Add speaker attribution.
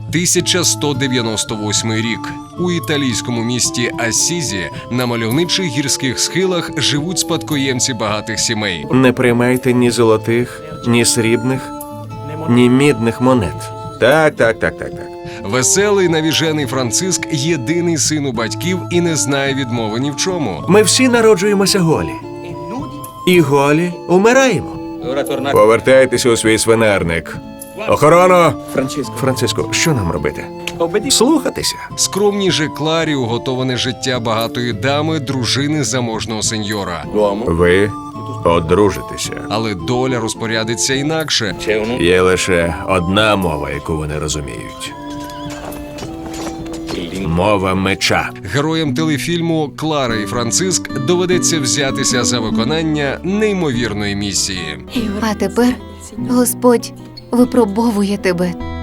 Speaker 1: 1198 рік. У італійському місті Ассізі на мальовничих гірських схилах живуть спадкоємці багатих сімей.
Speaker 2: Не приймайте ні золотих, ні срібних, ні мідних монет. Так.
Speaker 1: Веселий навіжений Франциск – єдиний син у батьків і не знає відмови ні в чому.
Speaker 2: Ми всі народжуємося голі. І голі умираємо. Повертайтеся у свій свинарник. Охорона! Франциско, що нам робити? Слухатися.
Speaker 1: Скромній же Кларі уготоване життя багатої дами, дружини заможного сеньора.
Speaker 2: Ви одружитеся.
Speaker 1: Але доля розпорядиться інакше.
Speaker 2: Є лише одна мова, яку вони розуміють. Мова меча.
Speaker 1: Героям телефільму «Клара і Франциск» доведеться взятися за виконання неймовірної місії.
Speaker 3: А тепер Господь випробовує тебе.